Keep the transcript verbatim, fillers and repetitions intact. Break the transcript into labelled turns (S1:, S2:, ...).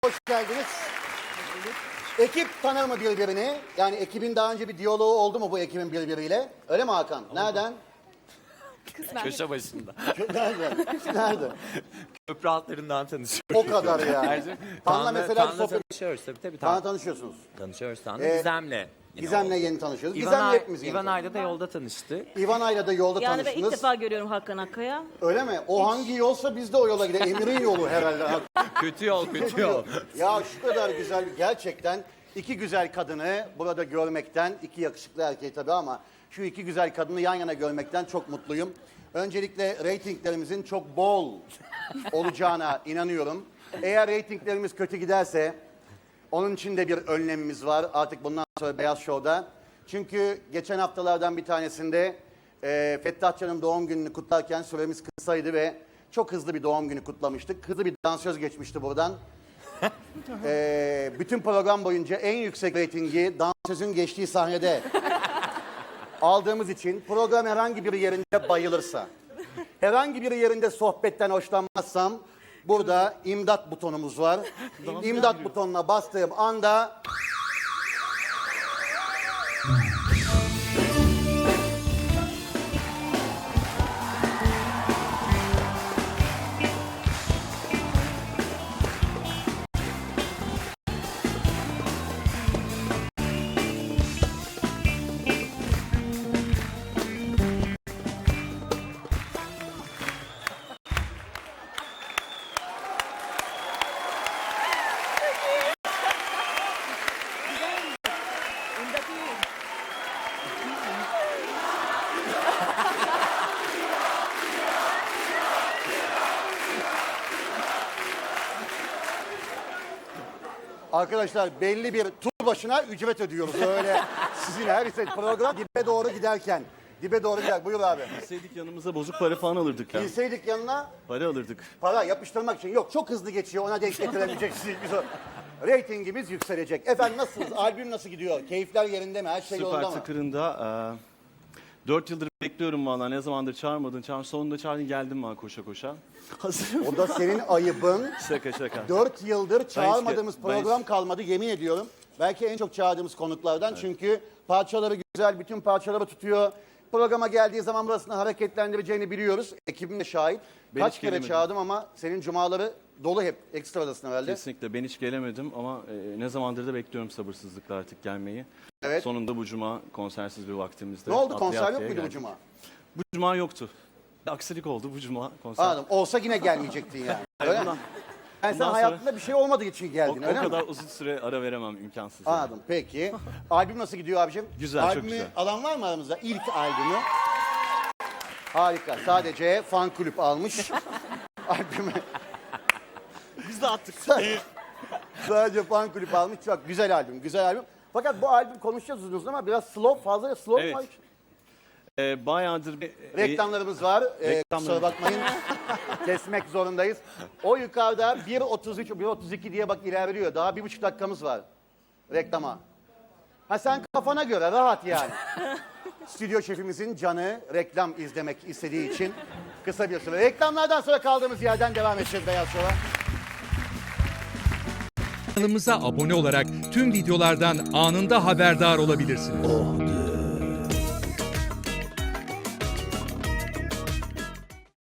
S1: Hoş geldiniz. Ekip tanır mı birbirini? Yani ekibin daha önce bir diyaloğu oldu mu bu ekibin birbiriyle? Öyle mi Hakan? Nereden?
S2: Köşe başında.
S1: Nerede? Nerede?
S2: Köprü altlarından tanışıyoruz.
S1: O kadar ya.
S2: Ayrıca
S1: Tan'la
S2: Tan'la-
S1: mesela bir
S2: Tan'la
S1: sohbet...
S2: tanışıyoruz tabii tabii.
S1: Tan'la
S2: Tan
S1: tanışıyorsunuz.
S2: tanışıyoruz Tan'la.
S1: Ee,
S2: Gizem'le. yine
S1: Gizem'le
S2: oldu.
S1: yeni tanışıyoruz.
S2: İvan,
S1: Gizem'le
S2: Ay-
S1: hepimiz yeni
S2: İvan
S1: tanışıyoruz.
S2: Ay'la da yolda tanıştık.
S1: İvanay'la da yolda
S3: Yani ben
S1: tanıştınız.
S3: ilk defa görüyorum Hakan Akkaya.
S1: Öyle mi? O hangi yolsa biz de o yola gidelim. Emir'in yolu herhalde.
S2: Kötü yol, kötü yol.
S1: Ya şu kadar güzel, gerçekten iki güzel kadını burada görmekten, iki yakışıklı erkeği tabii ama şu iki güzel kadını yan yana görmekten çok mutluyum. Öncelikle reytinglerimizin çok bol olacağına inanıyorum. Eğer reytinglerimiz kötü giderse onun için de bir önlemimiz var artık bundan sonra Beyaz Show'da. Çünkü geçen haftalardan bir tanesinde e, Fettah Can'ın doğum gününü kutlarken süremiz kısaydı ve çok hızlı bir doğum günü kutlamıştık. Hızlı bir dansöz geçmişti buradan. e, bütün program boyunca en yüksek reytingi dansözün geçtiği sahnede aldığımız için program herhangi bir yerinde bayılırsa, herhangi bir yerinde sohbetten hoşlanmazsam burada imdat butonumuz var. İmdat butonuna bastığım anda arkadaşlar belli bir tur başına ücret ödüyoruz öyle sizin her şey program dibe doğru giderken. Dibe doğru gider. Buyur abi.
S4: Bilseydik yanımıza bozuk para falan alırdık ya.
S1: Bilseydik yanına
S4: Para alırdık.
S1: para yapıştırmak için. Yok çok hızlı geçiyor ona denk getiremeyeceksiniz. Biz o... Reytingimiz yükselecek. Efendim nasılsınız? Albüm nasıl gidiyor? Keyifler yerinde mi? Her şey
S4: Süper
S1: yolunda mı?
S4: tıkırında. E, dört yıldır bekliyorum valla. Ne zamandır çağırmadın. Çağır, sonunda çağırdın geldim ben koşa koşa. Hazırım.
S1: O da senin ayıbın.
S4: Şaka şaka.
S1: Dört yıldır çağırmadığımız
S4: Ben hiç- ben
S1: program
S4: hiç-
S1: kalmadı yemin ediyorum. Belki en çok çağırdığımız konuklardan çünkü parçaları güzel, bütün parçaları tutuyor. Programa geldiği zaman burasını hareketlendireceğini biliyoruz. Ekibim de şahit.
S4: Ben
S1: Kaç
S4: hiç
S1: kere
S4: gelemedim.
S1: çağırdım ama senin cumaları dolu hep. Ekstradasın herhalde.
S4: Kesinlikle ben hiç gelemedim ama e, ne zamandır da bekliyorum sabırsızlıkla artık gelmeyi.
S1: Evet.
S4: Sonunda bu cuma konsersiz bir vaktimizde.
S1: Ne oldu
S4: atlaya
S1: konser yok
S4: atlaya
S1: muydu bu
S4: geldik.
S1: cuma?
S4: Bu cuma yoktu. Bir aksilik oldu bu cuma konser.
S1: Anladım. Olsa yine gelmeyecektin yani. Öyle mi?
S4: bundan-
S1: Yani sen
S4: bundan sonra-
S1: hayatında bir şey olmadığı için
S4: O,
S1: geldin
S4: o
S1: öyle mi?
S4: kadar uzun süre ara veremem imkansız. yani.
S1: Anladım. Peki. Albüm nasıl gidiyor abicim?
S4: Güzel, çok
S1: Albümü
S4: güzel.
S1: alan var mı aramızda? İlk albümü. Harika. Sadece fan kulüp almış. Albümü.
S4: Biz de attık.
S1: Sadece fan kulüp almış. Çok güzel albüm. Güzel albüm. Fakat bu albüm konuşacağız uzun uzun ama biraz slow, fazla slow
S4: Evet.
S1: mu?
S4: e, bayağıdır bir...
S1: Reklamlarımız var. Ee,
S4: Reklamlar-
S1: kusura bakmayın. Kesmek zorundayız. O yukarıda bir otuz üç, bir otuz iki diye bak ilerliyor. Daha bir buçuk dakikamız var. Reklama. Ha sen kafana göre rahat yani. Stüdyo şefimizin canı reklam izlemek istediği için kısa bir süre. Reklamlardan sonra kaldığımız yerden devam edeceğiz Beyaz Show'a.
S5: Kanalımıza abone olarak tüm videolardan anında haberdar olabilirsiniz.